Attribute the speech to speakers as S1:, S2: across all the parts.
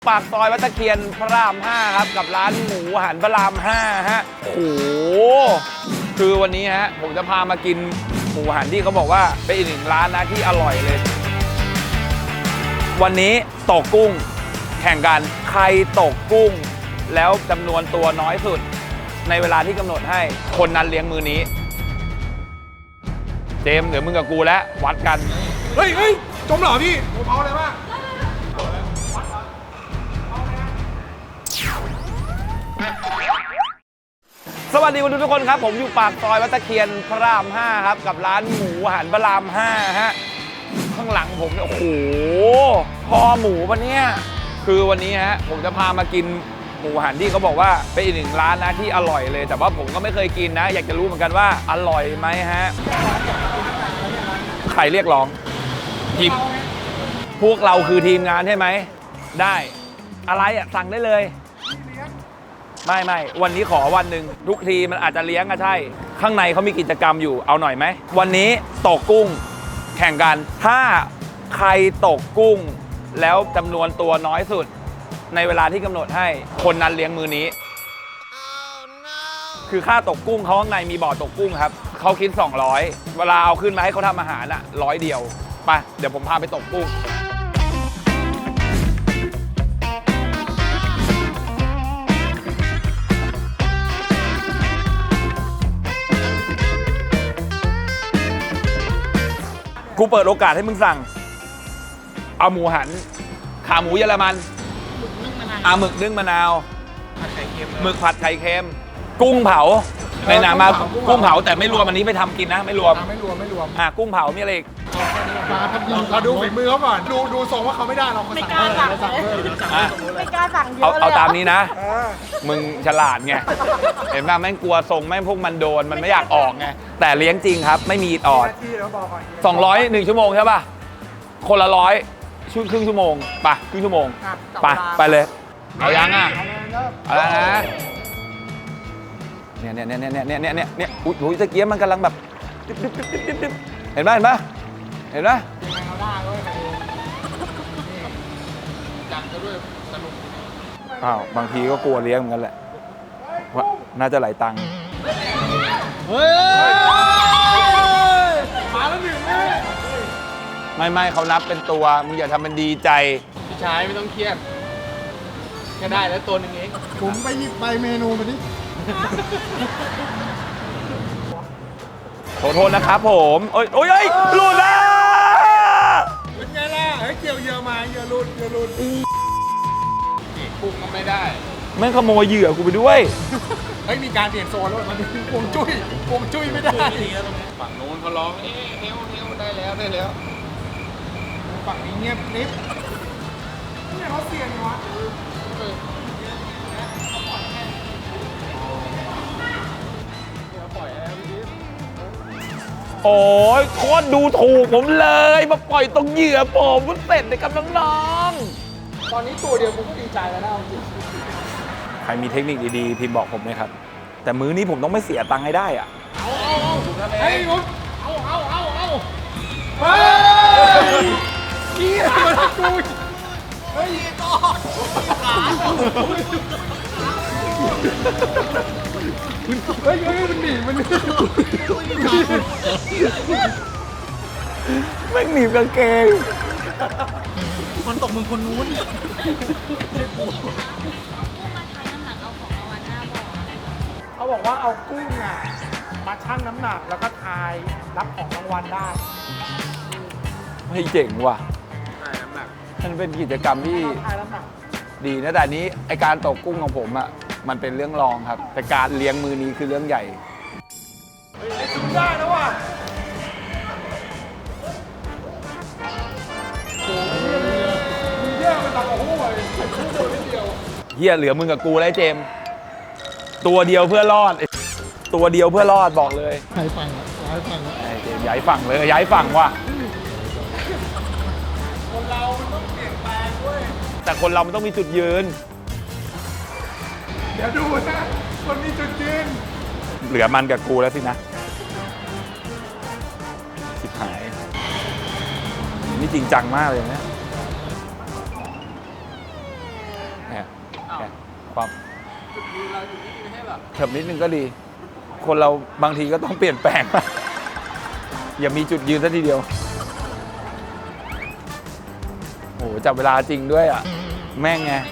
S1: ปากซอยวัดตะเคียนพระราม 5 ครับกับร้านหมูหันพระราม 5 ฮะโอ้โหคือวันนี้ฮะผมจะพามากินหมูหันที่เขาบอกว่าเป็นอีกหนึ่งร้านนะที่อร่อยเลยวันนี้ตกกุ้งแข่งกันใครตกกุ้งแล้วจำนวนตัวน้อยสุดในเวลาที่กำหนดให้คนนั้นเลี้ยงมือนี้เจมส์เดี๋ยวมึงกับกูแล้ววัดกัน
S2: เฮ้ยจมเหรอพี่ผมเอาอะไรบ้าง
S1: สวัสดีทุกคนครับผมอยู่ปากซอยวัดตะเคียนพระราม 5 ครับกับร้านหมูหันพระราม 5 ฮะข้างหลังผมโอ้โหคอหมูปะเนี่ยคือวันนี้ฮะผมจะพามากินหมูหันที่เขาบอกว่าเป็นอีกหนึ่งร้านนะที่อร่อยเลยแต่ว่าผมก็ไม่เคยกินนะอยากจะรู้เหมือนกันว่าอร่อยไหมฮะใครเรียกร้องทีมพวกเราคือทีมงานใช่ไหมได้อะไรอ่ะสั่งได้เลยไม่วันนี้ขอวันหนึ่งทุกทีมันอาจจะเลี้ยงก็ใช่ข้างในเขามีกิจกรรมอยู่เอาหน่อยไหมวันนี้ตกกุ้งแข่งกันถ้าใครตกกุ้งแล้วจำนวนตัวน้อยสุดในเวลาที่กำหนดให้คนนั้นเลี้ยงมือนี้คือค่าตกกุ้งเขาข้างในมีบ่อตกกุ้งครับเขาคิด200เวลาเอาขึ้นมาให้เขาทำอาหารอะ100 เดียวไปเดี๋ยวผมพาไปตกกุ้งกูเปิดโอกาสให้มึงสั่งเอาหมูหันขาหมูเยอรมันหมึกนึ่งมะนาวหมึกผัดไข่เค็มกุ้งเผาในหนามากุ้งเผาแต่ไม่รวมอันนี้ไม่ทำกินนะไม่รวมกุ้งเผามีอะไรอีก
S2: เราดูฝีมือเขาก่อนดูทรงว่าเขาไม่ได้เรา
S3: ไม่กล้าสั่งไม่กล้าสั่งเยอะเลย
S1: เอาตามนี้นะมึงฉลาดไงเห็นป่ะแม่งกลัวทรงแม่งพวกมันโดนมันไม่อยากออกไงแต่เลี้ยงจริงครับไม่มีอิดออด200 1 ชั่วโมงใช่ป่ะคนละ100ครึ่งชั่วโมงไปครึ่งชั่วโมงไปเลยเอายังอ่ะเอาแล้วนะเนี่ยอุ้ยตะเกียบมันกำลังแบบเห็นไหมอ้าวบางทีก็กลัวเลี้ยงเหมือนกันแหละว่าน่าจะไหลตังค์
S2: เฮ้ยมาแล้วหนึ่ง
S1: ไม่เขานับเป็นตัวมึงอย่าทำเป็นดีใจ
S2: พี่ชายไม่ต้องเครียดแค่ได้แล้วตัวนึงเองผมไปหยิบใบเมนูมาดิ
S1: ขอโทษนะครับผมโอ้ยหลุดนะ
S2: เป็นไงล่ะเกี่ยวเยอะมาเยอะหลุดกุ้งก็ไม่ได้
S1: แม่งขโมยเหยื่อกูไปด้วย
S2: มีการเปลี่ยนโซนแล้วมันเป็นพวงจุ้ยไม่ได้ฝั่งโน้นเขาร้องเฮลได้แล้วฝั่งนี้เงียบนิดนี่เขาเสียงวะ
S1: โอ้ยโคตรดูถูกผมเลยมาปล่อยตรงเหยื่อผมก็เสร็จเลยครับน้อง
S2: ๆตอนนี้ตัวเดียวผมก็ดีใจแล้วนะจริง
S1: ใครมีเทคนิคดีๆพิมพ์บอกผมเลยครับแต่มื้อนี้ผมต้องไม่เสียตังค์ให้ได้อ่ะ
S2: เฮ้ยผมเฮ้ยนี่มันกูเฮ้ยต่อมันหนี
S1: แม่งหนีบกางเกง
S2: มันตกมึงคนนู้นเขาบอกว่าเอากุ้งอ่ะมาชั่งน้ำหนักแล้วก็ทายรับของรางวัลได้
S1: ไม่เจ๋งว่ะมันเป็นกิจกรรมที่ดีนะแต่นี้ไอการตกกุ้งของผมอ่ะมันเป็นเรื่องรองครับแต่การเลี้ยงมือนี้คือเรื่องใหญ่
S2: ชิมได้แล้วว่ะ
S1: เฮียเหลือมึงกับกูแล้วเจมตัวเดียวเพื่อรอดบอกเลย
S2: ย้ายฝั่ง
S1: เจมย้ายฝั่งเลยย้ายฝั่งว่ะ
S2: คนเรามันต้องเปลี่ยนแปลงด้วย
S1: แต่คนเรามันต้องมีจุดยืน
S2: เดี๋ยวดูนะคนมีจุดยืน
S1: เหลือมันกับกูแล้วสินะชิบหายนี่จริงจังมากเลยนะเนี่ยความเถิบนิดนึงก็ดี คนเราบางทีก็ต้องเปลี่ยนแปลง อย่ามีจุดยืนซะทีเดียวโอ้โหจับเวลาจริงด้วยอ่ะ แม่งไง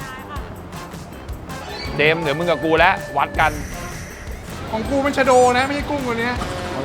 S1: เดมเดี๋ยวมึงกับกูแล้ววัดกัน
S2: ของกูเป็นชะโดนะไม่ใช่กุ้งตัวเนี้ย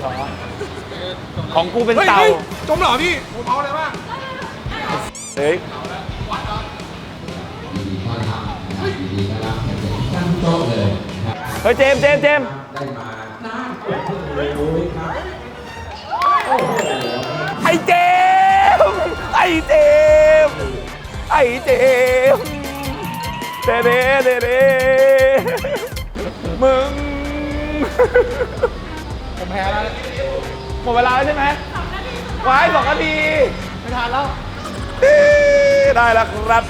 S1: ของกูเป็น
S2: ฮ้ย
S1: เต่า
S2: ฮ้ยจมเหรอพี่ผมเอาอะไรบ้าง
S1: เฮ้ย
S4: ตั้งโต๊ะเลยครับ
S1: เฮ้ยเจมส์
S4: ได้มา
S1: ไอ้เจมส์ไอ้เจมส์ไอ้เจมส์เดเดเดเดมึง
S2: ผมแพ้แล้ว
S1: หมดเวลาแล้วใช่ไหมไว้2 นาที
S2: ไม่ทันแล้ว
S1: ได้แล้วครับ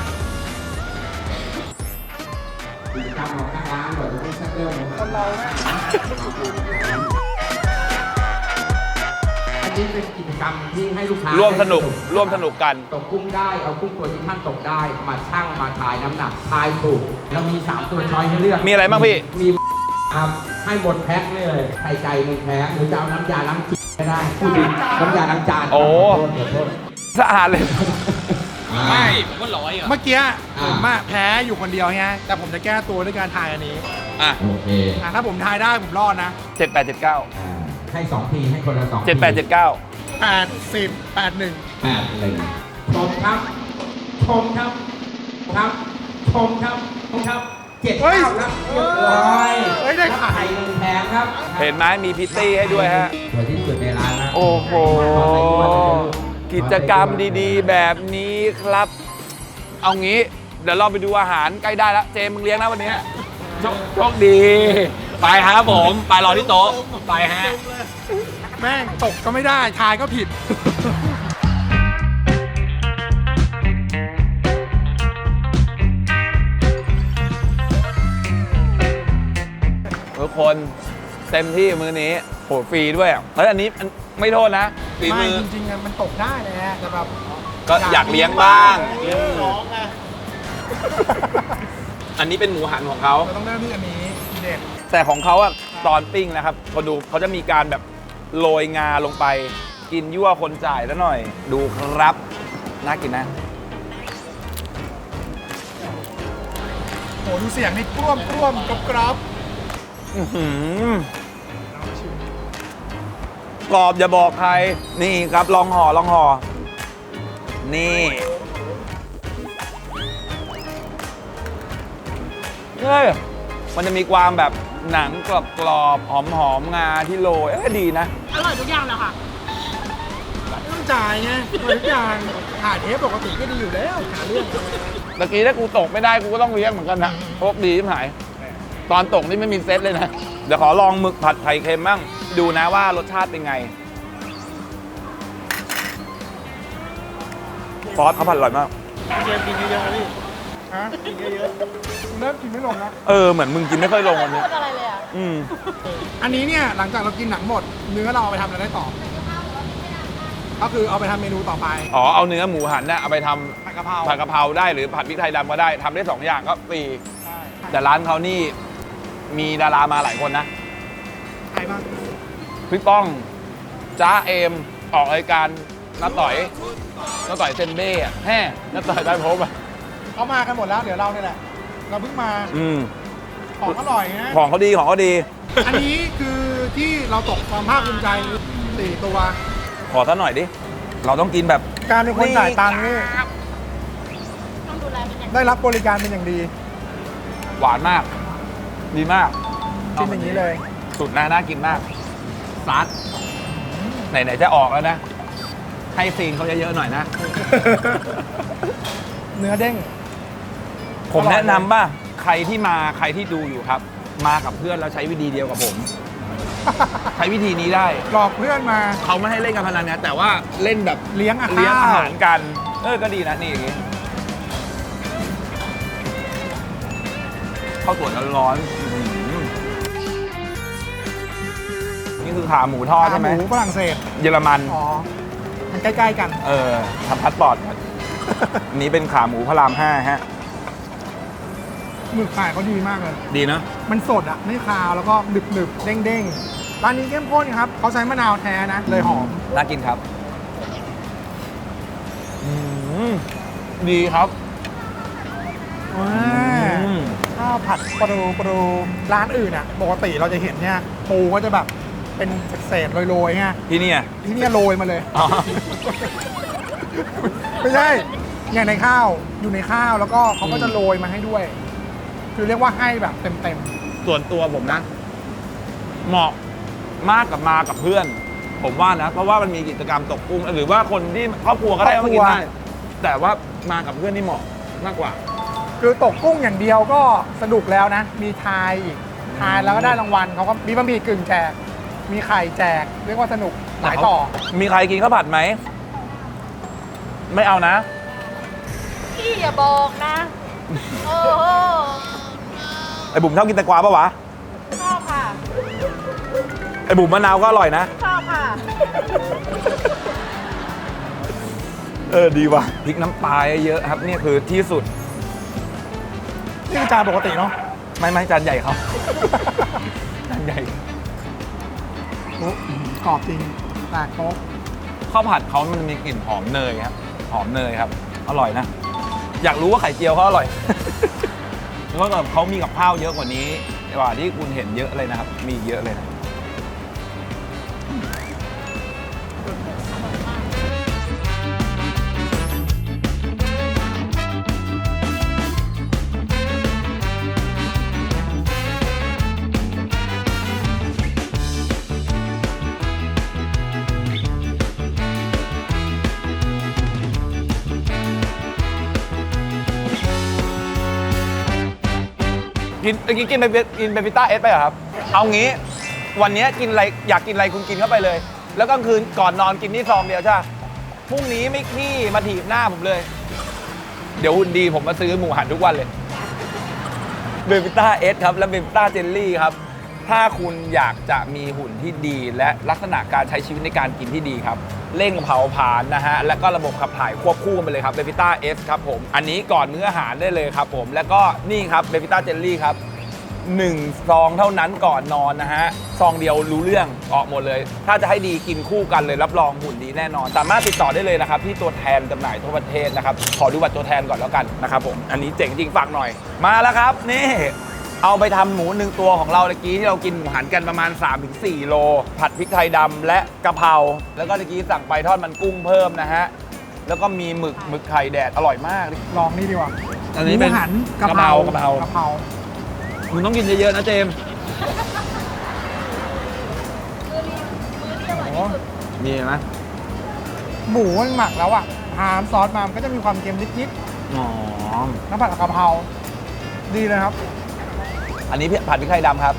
S4: กิจกรรมของทางร้านก่อนจะไม่ชักเริ่มนะครับ
S2: เราแม่
S4: อันนี้เป็นกิจกรรมที่ให้ลูกค้า
S1: ร่วมสนุก
S4: ได้
S1: ร่วมสนุกกัน
S4: ตกกุ้งได้เอากุ้งตัวที่ท่านตกได้มาชั่งมาทายน้ำหนักทายถูกแล้วมี3ตัวช้อยให้เลือก
S1: มีอะไรบ้างพี่
S4: มีครับให้หมดแพ็คเลยไข่ไก่1แพ็คหรือจะเอาน้ำยาล้างจานก็ได้พูดถึงน้ำยาล้างจาน
S1: โอ้
S4: ขอโทษ
S1: สะอาดเลย
S2: ไม่ผมว่า100เมื่อกี้ผมอะแพ้อยู่คนเดียวไงแต่ผมจะแก้ตัวด้วยการทายอันนี้
S1: อ่ะ
S4: โอเค
S2: ถ้าผมทายได้ผมรอดนะ
S1: 7879
S4: ให้2ทีให้คนละ2
S1: 7879
S2: 80 81
S4: 81ชมครับชมครับครับชมครับชมครับ7
S2: เฮ้ย
S4: 9ครับเรียบร้อย
S2: เฮ้ยได้ไข่
S4: ไข่1แผงครับ
S1: เห็นไหมมีพิตตี้ให้ด้วยฮะ
S4: สวยที่สุดในร้านนะ
S1: โอ้โห กิจกรรมดีๆ แบบนี้ครับ เอางี้ เดี๋ยวเราไปดูอาหารใกล้ได้แล้ว เจมส์มึงเลี้ยงนะวันนี้โชคดี ไปครับผม ไปรอที่โต๊ะ ไปฮะ
S2: แม่งตกก็ไม่ได้ทายก็ผิด
S1: ทุกคนเต็มที่มือนี้โหฟรีด้วยเฮ้ยอันนี้ไม่โทษนะฝี
S2: ไม่
S1: มือ
S2: จริงๆอะมันตกได้แหละแต่แบบ
S1: ก็อยากเลี้ยงบ้าง
S2: ร้องไง
S1: อันนี้เป็นหมูหันของเขา
S2: เราต้องเริ่มที่อันนี้เด็ด
S1: แต่ของเขาอะตอนปิ้งนะครับเขาดูเขาจะมีการแบบโรยงาลงไป กินยั่วคนจ่ายแล้วหน่อย ดูครับ น่ากินนะ
S2: โหดูเสียงนี่กล้วมกรอบ
S1: อื้อหือกรอบอย่าบอกใคร นี่ครับลองห่อ นี่เฮ้ยมันจะมีความแบบหนังกรอบๆหอมๆงาที่โรยดีนะ
S3: อร่อยทุกอย่างเลยค่ะ
S2: ไม่ต้องจ่ายไงทุกอย่างถ่ายเทปปกติก็ดีอยู่แล้วหาเรื่อง
S1: ตะกี้ถ้ากูตกไม่ได้กูก็ต้องเลี้ยงเหมือนกันนะโชคดีที่หาย ตอนตกนี่ไม่มีเซตเลยนะ เดี๋ยวขอลองหมึกผัดไข่เค็มบ้างดูนะว่ารสชาติเป็นไงซอสเขาผัดอร่อยมาก
S2: เกมกินเยอะๆพี่ฮะกินเยอะๆเริ่มกินไม่ลงนะ
S1: เหมือนมึงกินไม่ค่อยลงวันนี้
S3: พูดอะไรเลยอ่ะ
S1: อืม
S2: อันนี้เนี่ยหลังจากเรากินหนังหมด เนื้อเราเอาไปทำอะไรได้ต่อ ก็คือเอาไปทำเมนูต่อไป
S1: อ๋อเอาเนื้อหมูหันน่ะเอาไปททำ
S2: ผัดกะเพรา
S1: ผัดกะเพราได้หรือผัดพริกไทยดำก็ได้ทำได้2อย่างก็ฟรีแต่ร้านเขานี่มีดารามาหลายคนนะ
S2: ใครบ้าง
S1: พี่ป้องจ้าเอมออกรายการน้าต่อยเซนเบ้อะแฮ่น้าต่อยได้พบอ่ะ
S2: เขามากันหมดแล้ว เดี๋ยวเราเนี่ยแหละ เราเพิ่งมา ของอร่อยนะ
S1: ของเขาดีของเขาดี
S2: อันนี้คือที่เราตกความภาคภูมิใจ4ตัว
S1: ขอซะหน่อยดิ เราต้องกินแบบ
S2: การเป็นคนจ่ายตังค์นี่
S3: ต้องดูแลเป็นอย่างดี
S2: ได้รับบริการเป็นอย่างดี
S1: หวานมาก ดีมาก
S2: กินอย่างนี้เลย
S1: สุดนะน่ากินมากซัดไหนๆจะออกแล้วนะ ให้ซีนเขาเยอะๆหน่อยนะ
S2: เนื้อเด้ง
S1: ผมแนะนำว่าใครที่ดูอยู่ครับ มากับเพื่อนแล้วใช้วิธีเดียวกับผม ใช้วิธีนี้ได้
S2: หลอกเพื่อนมา
S1: เขาไม่ให้เล่นการพนันนะแต่ว่าเล่นแบบ
S2: เลี้ยงอาหาร
S1: เลี้ยงอาหารกัน ก็ดีนะนี่อย่างงี้ข้าวสวยร้อนๆอื้อหือนี่คือขาหมูทอดใช่ไหม
S2: หมูฝรั่งเศส
S1: เยอรมัน
S2: อ๋อ มันใกล้ๆกัน
S1: ทำพาสปอร์ต อันนี้เป็นขาหมูพระราม 5 ฮะ
S2: หมึกไข่เขาดีมากเลย
S1: ดีนะ
S2: มันสดอ่ะไม่คาวแล้วก็หนึบหนึบๆเด้งๆร้านนี้เข้มข้นครับเขาใช้มะนาวแท้นะเลยหอม
S1: น่ากินครับดีครับ
S2: ข้าวผัดปรูร้านอื่นอ่ะปกติเราจะเห็นเนี่ยปูก็จะแบบเป็นเศษๆโรยๆไง
S1: ที่นี่อ่ะ
S2: ที่เนี่ยโรยมาเลย
S1: อ๋อ
S2: ไม่ใช่อย่างในข้าวอยู่ในข้าวแล้วก็เขาก็จะโรยมาให้ด้วย คือเรียกว่าให้แบบเต็ม
S1: ส่วนตัวผมนะ เหมาะมากกับมากับเพื่อน ผมว่านะ เพราะว่ามันมีกิจกรรมตกกุ้งหรือว่าคนที่ครอบครัวก็ได้มากินได้แต่ว่ามากับเพื่อนนี่เหมาะมากกว่า
S2: ๆคือตกกุ้งอย่างเดียวก็สนุกแล้วนะ มีทายอีกทายแล้วก็ได้รางวัลเขาก็มีบะหมี่กึ่งแจกมีไข่แจกเรียกว่าสนุกหลายต่อ
S1: มีใครกินข้าวผัดไหม ไม่เอานะ
S3: พี่อย่าบอกนะ โอ้โห
S1: ไอ้บุ๋มชอบกินแตงกวาปะวะ
S3: ชอบค่ะ
S1: ไอ้บุ๋มมะนาวก็อร่อยนะ
S3: ชอบค่ะ
S1: ดีว่ะพริกน้ำปลาเยอะๆครับนี่คือที่สุด
S2: นี่คือจานปกติเนาะ
S1: ไม่จานใหญ่เขาจานใหญ่
S2: โอ้กรอบจริงแตกโต๊ะ
S1: ข้าวผัดเขามันมีกลิ่นหอมเนยครับ หอมเนยครับ อร่อยนะ อยากรู้ว่าไข่เจียวเขาอร่อย แล้วก็เขามีกับข้าวเยอะกว่านี้กว่าที่คุณเห็นเยอะเลยนะครับ มีเยอะเลยนะ กินเมื่อกี้กินเบบิต้าเอสไปเหรอครับ เอางี้ วันนี้กินอะไรอยากกินอะไรคุณกินเข้าไปเลย แล้วกลางคืนก่อนนอนกินนี่ซองเดียวใช่ไหมพรุ่งนี้ไม่ขี้มาถีบหน้าผมเลย เดี๋ยวหุ่นดีผมมาซื้อหมูหันทุกวันเลยเบบิต้าเอสครับและเบบิต้าเจลลี่ครับ ถ้าคุณอยากจะมีหุ่นที่ดีและลักษณะการใช้ชีวิตในการกินที่ดีครับ เร่งเผาผลาญนะฮะ แล้วก็ระบบขับถ่ายควบคู่กันไปเลยครับเบบิต้าเอสครับผม อันนี้ก่อนมื้ออาหารได้เลยครับผม แล้วก็นี่ครับเบบิต้าเจลลี่ครับ1ซองเท่านั้นก่อนนอนนะฮะ ซองเดียวรู้เรื่องออกหมดเลย ถ้าจะให้ดีกินคู่กันเลยรับรองหุ่นดีแน่นอน สามารถติดต่อได้เลยนะครับที่ตัวแทนจำหน่ายทั่วประเทศนะครับ ขอดูบัตรตัวแทนก่อนแล้วกันนะครับผม อันนี้เจ๋งจริงฝากหน่อย มาแล้วครับนี่ เอาไปทำหมู1ตัวของเราเมื่อกี้ที่เรากินหมูหันกันประมาณ 3-4 โล ผัดพริกไทยดำและกะเพราแล้วก็เมื่อกี้สั่งไปทอดมันกุ้งเพิ่มนะฮะแล้วก็มีหมึกไข่แดดอร่อยมาก
S2: ลองนี่ดีกว่า
S1: อันนี้เป็น
S2: หมูหัน
S1: กะเพรากะเพรา มึงต้องกินเยอะๆนะเจมส์
S2: โอ้
S1: มีไหม
S2: หมูมันหมักแล้วอ่ะทานซอสมามันก็จะมีความเค็มนิด
S1: อ๋อ
S2: ๆน้ำผัดกะเพราดีเลยครับ
S1: อันนี้ผัดพริกไทยดำครับ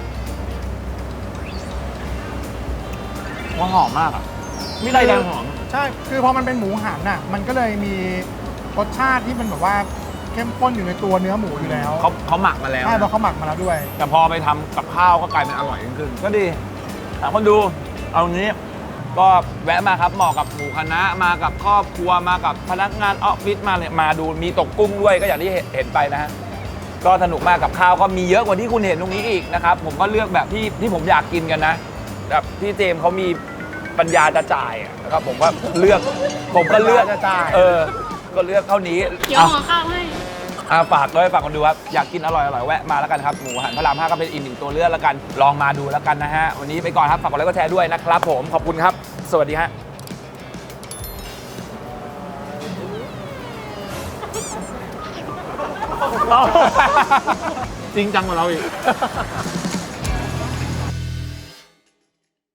S1: ว่าหอมมากอ่ะพริกไทยดำหอม
S2: ใช่ คือพอมันเป็นหมูหันน่ะ มันก็เลยมีรสชาติที่มันแบบว่าเข้มข้นอยู่ในตัวเนื้อหมูอยู่แล้ว
S1: เขาหมักมาแล้ว
S2: ใช่เพราะ
S1: นะ
S2: เขาหมักมาแล้วด้วย
S1: แต่พอไปทำกับข้าวก็กลายเป็นอร่อยขึ้นก็ดีถามคนดู เอางี้ ก็แวะมาครับเหมาะกับหมู่คณะมากับครอบครัวมากับพนักงานออฟฟิศมาเลยมาดูมีตกกุ้งด้วยก็อย่างที่เห็นไปนะฮะ ก็สนุกมากกับข้าวก็มีเยอะกว่าที่คุณเห็นตรงนี้อีกนะครับ ผมก็เลือกแบบที่ผมอยากกินกันนะแบบที่เจมส์เขามีปัญญาจะจ่ายอะนะครับผมก็เลือก
S2: ปัญญาจะจ่าย
S1: ก็เลือกเท่านี้
S3: เดี๋ยวห่อข้าวให้
S1: ฝากด้วยฝากคนดูครับอยากกินอร่อยแวะมาแล้วกันครับหมูหันพระราม 5ก็เป็นอีกหนึ่งตัวเลือกแล้วกันลองมาดูแล้วกันนะฮะวันนี้ไปก่อนครับฝากกดไลค์กดแชร์ด้วยนะครับผมขอบคุณครับ สวัสดีฮะจริงจังกว่าเราอีก